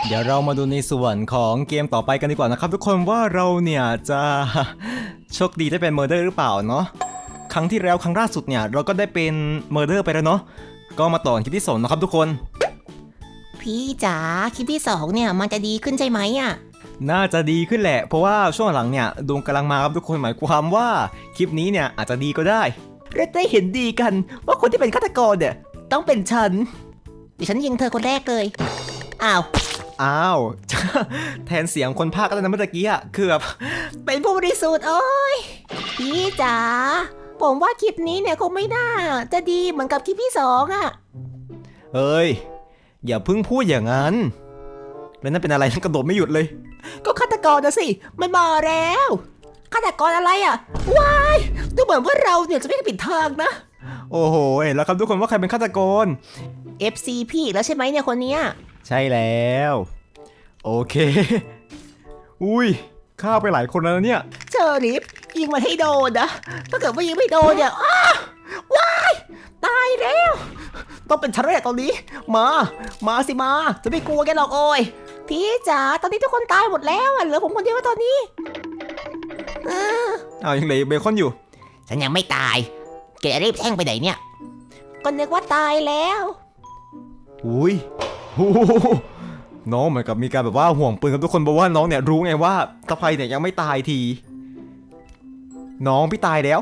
เดี๋ยวเรามาดูในส่วนของเกมต่อไปกันดีกว่านะครับทุกคนว่าเราเนี่ยจะโชคดีได้เป็นเมอร์เดอร์หรือเปล่าเนาะครั้งที่แล้วครั้งล่าสุดเนี่ยเราก็ได้เป็นเมอร์เดอร์ไปแล้วเนาะก็มาต่อคลิปที่2นะครับทุกคนพี่จ๋าคลิปที่2เนี่ยมันจะดีขึ้นใช่ไหมอ่ะน่าจะดีขึ้นแหละเพราะว่าช่วงหลังเนี่ยดวงกำลังมาครับทุกคนหมายความว่าคลิปนี้เนี่ยอาจจะดีก็ได้เราได้เห็นดีกันว่าคนที่เป็นฆาตกรเนี่ยต้องเป็นฉันดิฉันยิงเธอคนแรกเลยอ้าวแทนเสียงคนพากย์ก็ได้นะเมื่อกี้อะคือแบบเป็นผู้บริสุทธิ์โอ้ยพี่จ๋าผมว่าคลิปนี้เนี่ยคงไม่น่าจะดีเหมือนกับคลิปที่2อ่ะเอ้ยอย่าเพิ่งพูดอย่างนั้นแล้วนั่นเป็นอะไรนั่นกระโดดไม่หยุดเลยก็ฆาตกรนะสิมันมาแล้วฆาตกรอะไรอ่ะว้ายดูเหมือนว่าเราเนี่ยจะไม่ได้ผิดทางนะโอ้โหเห็นแล้วครับทุกคนว่าใครเป็นฆาตกร FC พี่แล้วใช่ไหมเนี่ยคนเนี้ยใช่แล้วโอเคอุ้ยฆ่าไปหลายคนแล้วเนี่ยเชอริฟยิงมันให้โดนนะถ้าเกิดว่ายิงไม่โดนเนี่ยว้ายตายแล้วต้องเป็นฉันแน่ตอนนี้มาสิมาจะไม่กลัวแกหรอกโอ้ยพี่จ๋าตอนนี้ทุกคนตายหมดแล้วเหลือผมคนเดียวตอนนี้ยังเหลือเบคอนอยู่ฉันยังไม่ตายแกรีบแท่งไปไหนเนี่ยก็นึกว่าตายแล้วอุ้ยน้องเหมือนกับมีการแบบว่าห่วงปืนกับทุกคนเพราะว่าน้องเนี่ยรู้ไงว่าตะไคเนี่ยยังไม่ตายทีน้องพี่ตายแล้ว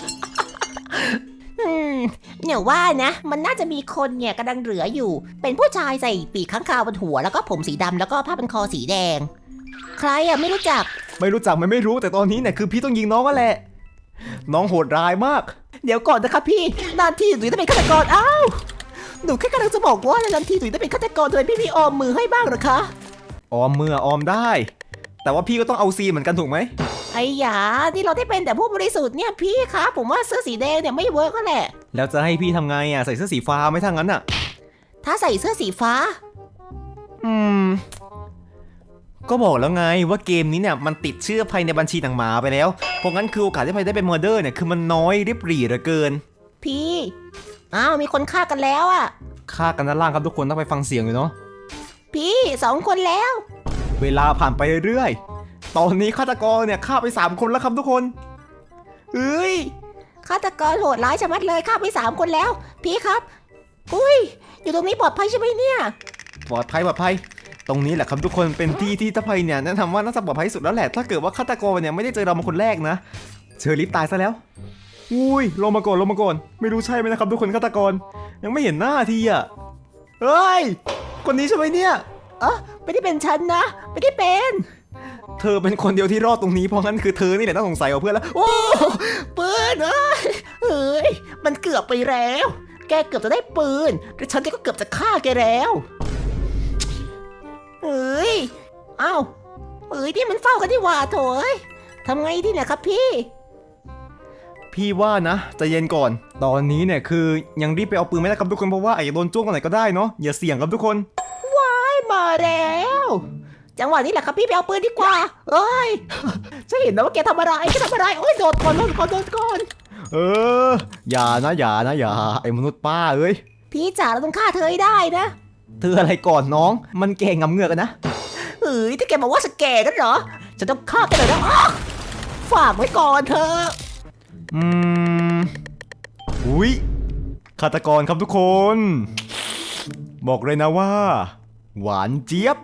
เนี่ยว่านะมันน่าจะมีคนเนี่ยกำลังเหลืออยู่เป็นผู้ชายใส่ปีกข้างคาวบนหัวแล้วก็ผมสีดำแล้วก็ผ้าพันคอสีแดงใครอ่ะไม่รู้จักมันไม่รู้แต่ตอนนี้เนี่ยคือพี่ต้องยิงน้องก็แหละน้องโหดร้ายมากเดี๋ยวก่อนนะครับพี่นานที่หนูจะเป็นฆาตกรอ้าวหนูแค่กำลังจะบอกว่านานทีหนูจะเป็นฆาตกรทำไมพี่ออมมือให้บ้างหรอคะออมมือออมได้แต่ว่าพี่ก็ต้องเอาซีเหมือนกันถูกไหมไอ้หยาที่เราได้เป็นแต่ผู้บริสุทธิ์เนี่ยพี่คะผมว่าเสื้อสีแดงเนี่ยไม่เวิร์กก็แหละแล้วจะให้พี่ทำไงอ่ะใส่เสื้อสีฟ้าไม่ทั้งนั้นอ่ะถ้าใส่เสื้อสีฟ้าก็บอกแล้วไงว่าเกมนี้เนี่ยมันติดชื่อภายในบัญชีหนังหมาไปแล้วเพราะงั้นคือโอกาสที่ไพได้เป็นเมอร์เดอร์เนี่ยคือมันน้อยริบหรี่เหลือเกินพี่มีคนฆ่ากันแล้วอ่ะฆ่ากันด้านล่างครับทุกคนต้องไปฟังเสียงเลยเนาะพี่2 คนแล้วเวลาผ่านไปเรื่อยๆตอนนี้ฆาตกรเนี่ยฆ่าไป3 คนแล้วครับทุกคนฆาตกรโหดร้ายชะมัดเลยฆ่าไป3 คนแล้วพี่ครับอุ้ยอยู่ตรงนี้ปลอดภัยใช่ไหมเนี่ยปลอดภัยตรงนี้แหละครับทุกคนเป็นที่ที่ตะไพเนี่ยแนะนำว่าน่าจะปลอดภัยสุดแล้วแหละถ้าเกิดว่าฆาตกรเนี่ยไม่ได้เจอเรามาคนแรกนะเชอริฟตายซะแล้วอุ้ยลงมาก่อนไม่รู้ใช่ไหมนะครับทุกคนฆาตกรยังไม่เห็นหน้าทีอ่ะเฮ้ยคนนี้ใช่ไหมเนี่ยไม่ได้เป็นฉันนะไม่ได้เป็นเธอเป็นคนเดียวที่รอดตรงนี้เพราะงั้นคือเธอนี่แหละต้องสงสัยกับเพื่อนแล้วโอ้ปืนเฮ้ยมันเกือบไปแล้วแกเกือบจะได้ปืนแต่ฉันก็เกือบจะฆ่าแกแล้วนี่มันเฝ้ากันที่ว่าโถยทำไงดีเนี่ยครับพี่ว่านะใจเย็นก่อนตอนนี้เนี่ยคือยังรีบไปเอาปืนไม่ได้ครับทุกคนเพราะว่าอาจจะโดนจ้วงกันไหนก็ได้เนาะอย่าเสี่ยงครับทุกคนว้ายมาแล้วจังหวะนี้แหละครับพี่ไปเอาปืนดีกว่าฉันเห็นนะว่าแกทำอะไรโอ้ยโดนก่อนอย่าไอ้มนุษย์ป้าเอ้ยพี่จ๋าเราต้องฆ่าเธอให้ได้นะเธออะไรก่อนน้องมันแก่งำเงือกกันนะถ้าแกบอกว่าสแกนกันเหรอจะต้องฆ่าแกเลยนะฝากไว้ก่อนเธออุ้ยฆาตกรครับทุกคน บอกเลยนะว่าหวานเจี๊ยบ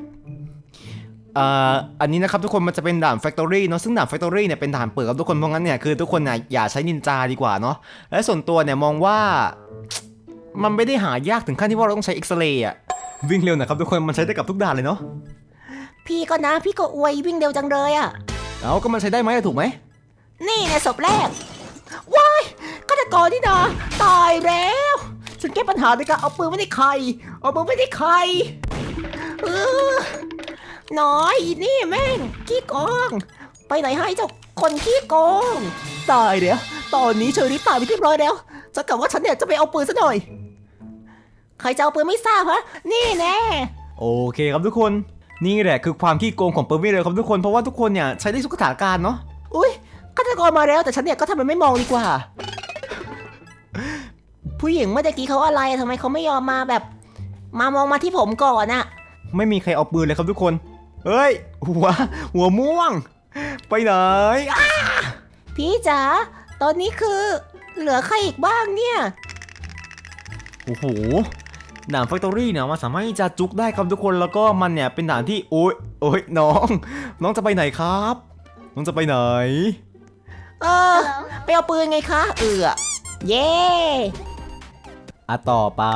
อันนี้นะครับทุกคนมันจะเป็นด่าน Factory เนาะซึ่งด่าน Factory เนี่ยเป็นด่านเปิดครับทุกคนเพราะงั้นเนี่ยคือทุกคนเนี่ยอย่าใช้นินจาดีกว่าเนาะและส่วนตัวเนี่ยมองว่ามันไม่ได้หายากถึงขั้นที่ว่าเราต้องใช้เอ็กซเรย์อะวิ่งเร็วนะครับทุกคนมันใช้ได้กับทุกด่านเลยเนาะพี่ก็อวยวิ่งเร็วจังเลยอะก็มันใช้ได้ไหมถูกไหมนี่ในศพแรกว้ายฆาตกรนี่นะตายแล้วฉันแก้ปัญหาด้วยการเอาปืนไม่ได้ใครน้อยอีนี่แม่งขี้โกงไปไหนให้เจ้าคนขี้โกงตายแล้วตอนนี้เชอรี่ตายไปเรียบร้อยแล้วจะกลับว่าฉันเนี่ยจะไปเอาปืนซะหน่อยใครจะเอาปืนไม่ทราบฮะนี่แน่โอเคครับทุกคนนี่แหละคือความขี้โกงของปืนไม่เลยครับทุกคนเพราะว่าทุกคนเนี่ยใช้ได้ทุกสถานการณ์เนาะอุ้ยฆาตกรมาแล้วแต่ฉันเนี่ยก็ทำเป็นไม่มองดีกว่าผู้หญิงเมื่อกี้เขาอะไรทำไมเขาไม่ยอมมาแบบมามองมาที่ผมก่อนอะไม่มีใครเอาปืนเลยครับทุกคนเฮ้ยหัวม่วงไปไหนอ่ะพี่จ๋าตอนนี้คือเหลือใครอีกบ้างเนี่ยโอ้โหด่านแฟคทอรี่เนี่ยมันสามารถที่จะจุกได้ครับทุกคนแล้วก็มันเนี่ยเป็นด่านที่โอ้ยน้องจะไปไหนครับน้องจะไปไหนไปเอาปืนไงคะเย่ต่อไป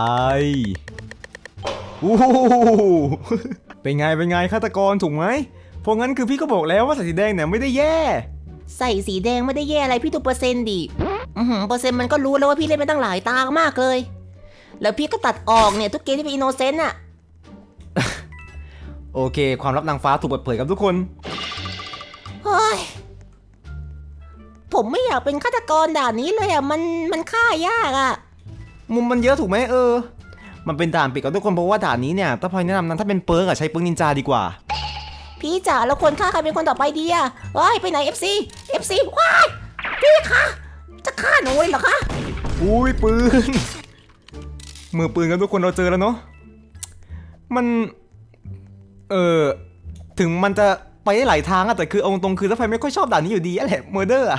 อู้หูเป็นไงฆาตกรถูกไหมเพราะงั้นคือพี่ก็บอกแล้วว่าใส่สีแดงเนี่ยไม่ได้แย่ใส่สีแดงไม่ได้แย่อะไรพี่ดูเปอร์เซ็นต์ดิเปอร์เซ็นต์มันก็รู้แล้วว่าพี่เล่นไปตั้งหลายตามากเลยแล้วพี่ก็ตัดออกเนี่ยทุกเกมที่เป็นอินโนเซนต์อะโอเคความลับนางฟ้าถูกเปิดเผยครับทุกคนเฮ้ยผมไม่อยากเป็นฆาตกรด่านนี้เลยอะมันฆ่ายากอะมุมมันเยอะถูกไหมมันเป็นด่านปิดกับทุกคนเพราะว่าด่านนี้เนี่ยถ้าพลอยแนะนำนั้นถ้าเป็นเปิร์กใช้เปิร์กนินจาดีกว่าพี่จ๋าแล้วคนฆ่าใครเป็นคนต่อไปดีอะเฮ้ยไปไหน FC ว้ายพี่คะจะฆ่าหนูเลยเหรอคะอุ้ยปืนมือปืนกันทุกคนเราเจอแล้วเนาะมันถึงมันจะไปได้หลายทางอะแต่คือเอาตรงคือถ้าใครไม่ค่อยชอบด่านนี้อยู่ดีแหละเมอร์เดอร์อะ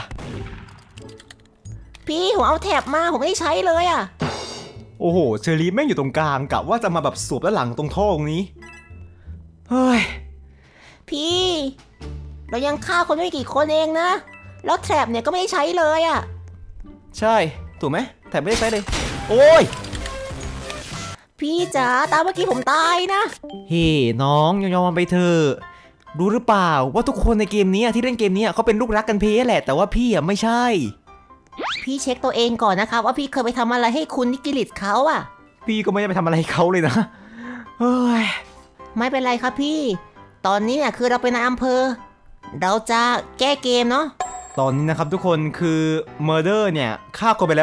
พี่ผมเอาแถบมาผมไม่ได้ใช้เลยอะโอ้โหเชอรี่แม่งอยู่ตรงกลางกะว่าจะมาแบบสวบด้านหลังตรงท่อตรงนี้เฮ้ยพี่เรายังฆ่าคนไม่กี่คนเองนะแล้วแถบเนี่ยก็ไม่ได้ใช้เลยอะใช่ถูกไหมแต่ไม่ได้ใช้เลยโอ้ยพี่จ๋าตามเมื่อกี้ผมตายนะเฮ้น้องยอมไปเถอะรู้หรือเปล่าว่าทุกคนในเกมนี้ที่เล่นเกมนี้เขาเป็นลูกรักกันเพแหละแต่ว่าพี่ไม่ใช่พี่เช็คตัวเองก่อนนะครับว่าพี่เคยไปทำอะไรให้คุณนิกิลิตเขาอะพี่ก็ไม่ได้ไปทำอะไรเขาเลยนะเฮ้ยไม่เป็นไรครับพี่ตอนนี้เนี่ยคือเราเป็นนายอำเภอเราจะแก้เกมเนาะตอนนี้นะครับทุกคนคือเมอร์เดอร์เนี่ยฆ่าคนไปแล้ว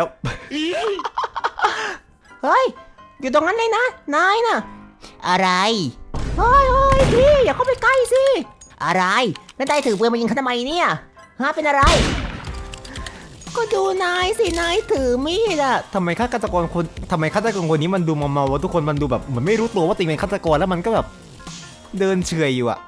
เฮ้ยอยู่ตรงนั้นเลยนะนายน่ะอะไรเฮ้ยพี่อย่าเข้าไปใกล้สิอะไรแล้วนายถือปืนมายิงเขาทำไมเนี่ยฮะเป็นอะไรก็ดูนายสินายถือมีดอะทำไมฆาตกรคนนี้มันดูเมาๆวะทุกคนมันดูแบบเหมือนไม่รู้ตัวว่าตัวเองเป็นฆาตกรแล้วมันก็แบบเดินเฉยอยู่อะ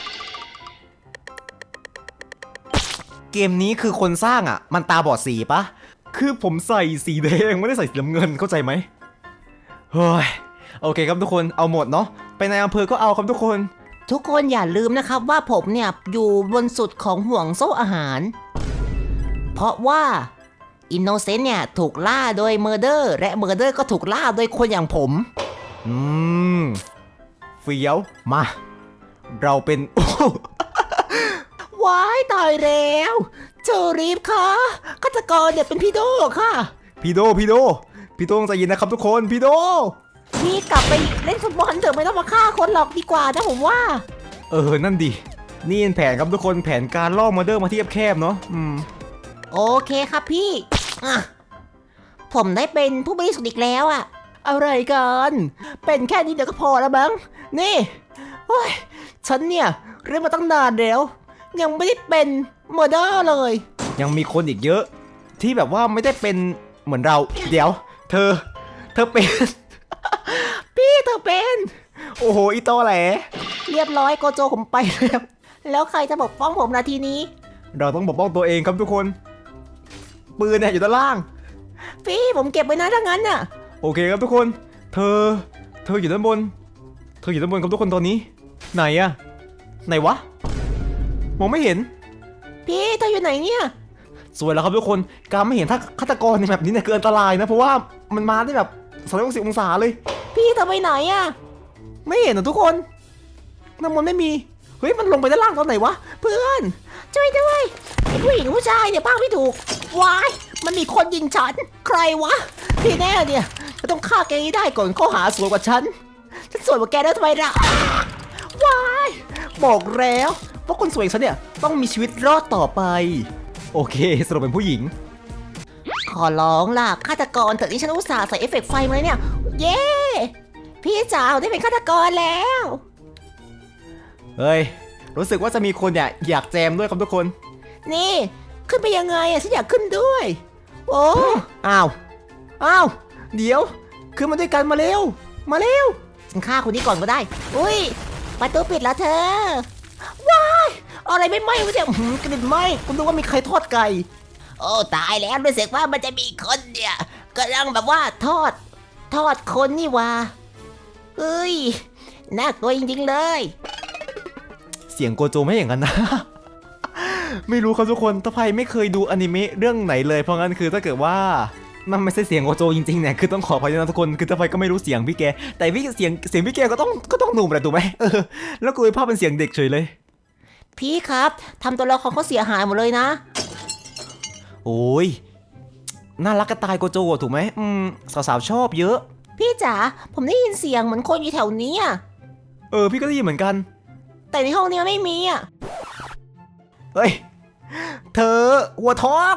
เกมนี้คือคนสร้างอะมันตาบอดสีปะคือผมใส่สีแดงไม่ได้ใส่สีน้ำเงินเข้าใจไหมเฮ้ยโอเคครับทุกคนเอาหมดเนาะไปในอำเภอก็เอาครับทุกคนทุกคนอย่าลืมนะครับว่าผมเนี่ยอยู่บนสุดของห่วงโซ่อาหารเพราะว่าอินโนเซนต์เนี่ยถูกล่าโดยเมอร์เดอร์และเมอร์เดอร์ก็ถูกล่าโดยคนอย่างผมเฟี้ยวมาเราเป็นว้ายตายแล้วเจอรีฟค่ะฆาตกรเนี่ยเป็นพี่โดค่ะพี่โดต้องใจเย็นนะครับทุกคนพี่โดพี่กลับไปเล่นฟุตบอลเถอะไม่ต้องมาฆ่าคนหรอกดีกว่านะผมว่านั่นดินี่เป็นแผนครับทุกคนแผนการล่อมอเดอร์มาที่แคบๆเนาะโอเคครับพี่อ่ะผมได้เป็นผู้บริสุทธิ์อีกแล้วอะอะไรกันเป็นแค่นี้เดี๋ยวก็พอแล้วมั้งนี่เฮ้ยฉันเนี่ยเล่นมาตั้งนานแล้วยังไม่ได้เป็นเมอร์เดอร์เลยยังมีคนอีกเยอะที่แบบว่าไม่ได้เป็นเหมือนเราเดี๋ยวเธอเป็นพี่เธอเป็นโอ้โหอีโตแหลเรียบร้อยโกโจผมไปแล้วแล้วใครจะปกป้องผมนาทีนี้เราต้องปกป้องตัวเองครับทุกคนปืนเนี่ยอยู่ด้านล่างพี่ผมเก็บไว้นะถ้างั้นน่ะโอเคครับทุกคนเธออยู่ด้านบนครับทุกคนตอนนี้ไหนอะไหนวะมองไม่เห็นพี่เธออยู่ไหนเนี่ยสวยแล้วครับทุกคนการไม่เห็นถ้าฆาตกรในแบบนี้เนี่ยเกินอันตรายนะเพราะว่ามันมาได้แบบ360องศาเลยพี่เธอไปไหนอะไม่เห็นนะทุกคนน้ำมันไม่มีเฮ้ยมันลงไปด้านล่างตอนไหนวะเพื่อนช่วยด้วยผู้หญิงผู้ชายเนี่ยป้าไม่ถูกวายมันมีคนยิงฉันใครวะพี่แน่เนี่ยจะต้องฆ่าแกให้ได้ก่อนข้อหาสวยกว่าฉันสวยกว่าแกได้ทำไมล่ะวายบอกแล้วว่าคนสวยอย่างฉันเนี่ยต้องมีชีวิตรอดต่อไปโอเคสรุปเป็นผู้หญิงขอร้องล่ะฆาตกรเถอะที่ฉันอุตส่าห์ใส่เอฟเฟกต์ไฟมาเลยเนี่ยเย้พี่จ๋าได้เป็นฆาตกรแล้วเฮ้ยรู้สึกว่าจะมีคนอยากแจมด้วยครับทุกคนนี่ขึ้นไปยังไงอะฉันอยากขึ้นด้วยโอ้อ้าวเดี๋ยวขึ้นมาด้วยกันมาเร็วฉันฆ่าคนนี้ก่อนก็ได้ อุ้ยประตูปิดแล้วเธอ ว้ายอะไรไม่ไหม้วะเนี่ยกลิ่นไหม้คุณดูว่ามีใครทอดไก่ โอ้ตายแล้วรู้สึกว่ามันจะมีคนเนี่ยกำลังแบบว่าทอดคนนี่วะเอ้ยน่ากลัวจริงๆเลยเสียงโกโจไม่อย่างนั้นนะ ไม่รู้ครับทุกคนถ้าไพไม่เคยดูอนิเมะเรื่องไหนเลยเพราะงั้นคือถ้าเกิดว่ามันไม่ใช่เสียงโกโจจริงๆเนี่ยคือต้องขออภัยนะทุกคนคือถ้าไพก็ไม่รู้เสียงพี่แกแต่พี่เสียงพี่แกก็ต้องหนุ่มแหละถูกไหมแล้วกูไปภาพเป็นเสียงเด็กเฉยเลยพี่ครับทำตัวละครเขาเสียหายหมดเลยนะโอ้ยน่ารักกระตายโกโจถูกไหมสาวๆชอบเยอะพี่จ๋าผมได้ยินเสียงเหมือนคนอยู่แถวนี้อะพี่ก็ได้ยินเหมือนกันแต่ในห้องนี้ไม่มีอะเฮ้ยเธอหัวท้อง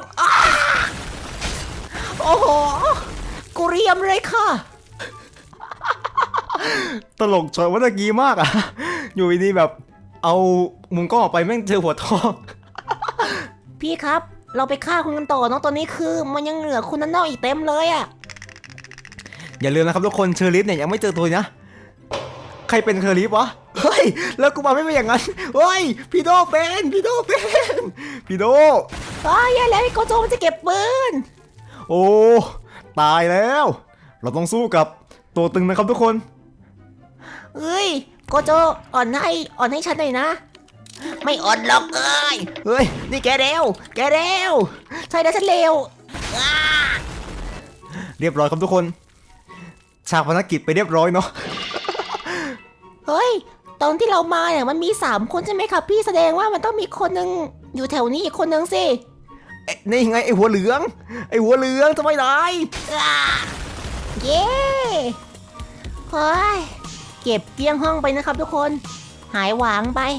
โอ้โหกูเรียมเลยค่ะตลกช็อตเมื่อกี้มากอ่ะ อยู่ดีๆแบบเอามุมกล้องออกไปแม่งเจอหัวท้องพี่ครับเราไปฆ่าคุณกันต่อเนาะตอนนี้คือมันยังเหลือคุณนั่นนอกอีกเต็มเลยอะอย่าลืมนะครับทุกคนเชอริฟเนี่ยยังไม่เจอตัวนะใครเป็นเชอริฟวะเฮ้ยแล้วกูมาไม่เป็นอย่างนั้นเฮ้ยพี่โดเป็นพี่โดอย่าแล้วไอ้โกโจมันจะเก็บปืนโอ้ตายแล้ว เราต้องสู้กับตัวตึงนะครับทุกคนเอ้ยโกโจอ่อนให้ฉันหน่อยนะ ไม่อ่อนหรอกเอ้ยเฮ้ยนี่แกเร็วใช่แล้วฉันเร็วเรียบร้อยครับทุกคนฉากภารกิจไปเรียบร้อยเนาะเฮ้ยตอนที่เรามาเนี่ยมันมี3คนใช่ไหมครับพี่แสดงว่ามันต้องมีคนหนึ่งอยู่แถวนี้อีกคนหนึ่งสินี่ไงไอหัวเหลืองทำไมไหนเย้เฮ้ยเก็บเกลี้ยงห้องไปนะครับทุกคนหายหวางไป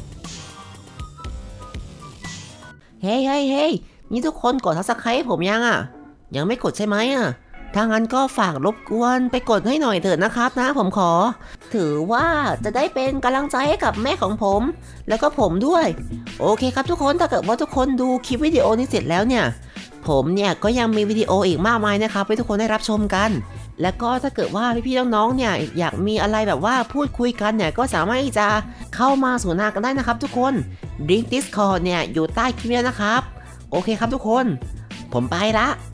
เฮ้ยนี่ทุกคนกด Subscribe ให้ผมยังอ่ะยังไม่กดใช่ไหมอ่ะถ้างั้นก็ฝากรบกวนไปกดให้หน่อยเถิดนะครับนะผมขอถือว่าจะได้เป็นกำลังใจให้กับแม่ของผมแล้วก็ผมด้วยโอเคครับทุกคนถ้าเกิดว่าทุกคนดูคลิปวิดีโอนี้เสร็จแล้วเนี่ยผมเนี่ยก็ยังมีวิดีโออีกมากมายนะครับให้ทุกคนได้รับชมกันแล้วก็ถ้าเกิดว่าพี่ๆน้องๆเนี่ยอยากมีอะไรแบบว่าพูดคุยกันเนี่ยก็สามารถที่จะเข้ามาสนทนากันได้นะครับทุกคนลิงก์ Discord เนี่ยอยู่ใต้คลิปนี้นะครับโอเคครับทุกคนผมไปละ